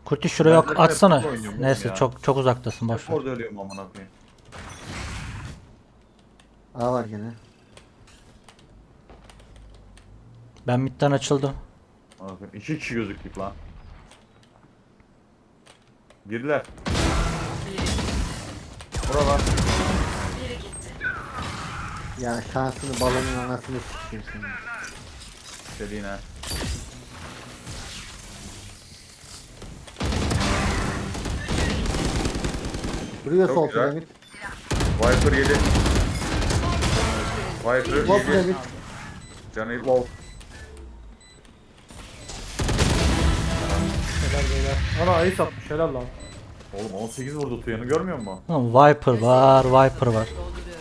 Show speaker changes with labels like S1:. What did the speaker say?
S1: Kurti şuraya
S2: Ben de
S1: atsana.
S2: Pepsi oynuyorum
S1: Neyse
S2: ya.
S1: çok uzaktasın, boş ver.
S2: Orada ölüyorum amına koyayım.
S3: A var gene.
S1: Ben midden açıldım.
S2: Amına koyayım. 2 kişi gözüktük lan. Girdiler. Buralar.
S3: Ya şansını balonun anasını sikeyim seni.
S2: Dediğine.
S3: Duruyor
S2: Çok
S3: sol
S2: güzel.
S3: piramit.
S2: Viper yedi. Viper
S3: Sol
S2: yedi.
S3: piramit.
S2: Canı low.
S4: Helal beyler. Ana ace atmış helal lan.
S2: Oğlum 18 vurdu Tuyan'ı görmüyor musun?
S1: Oğlum, Viper var, Viper var.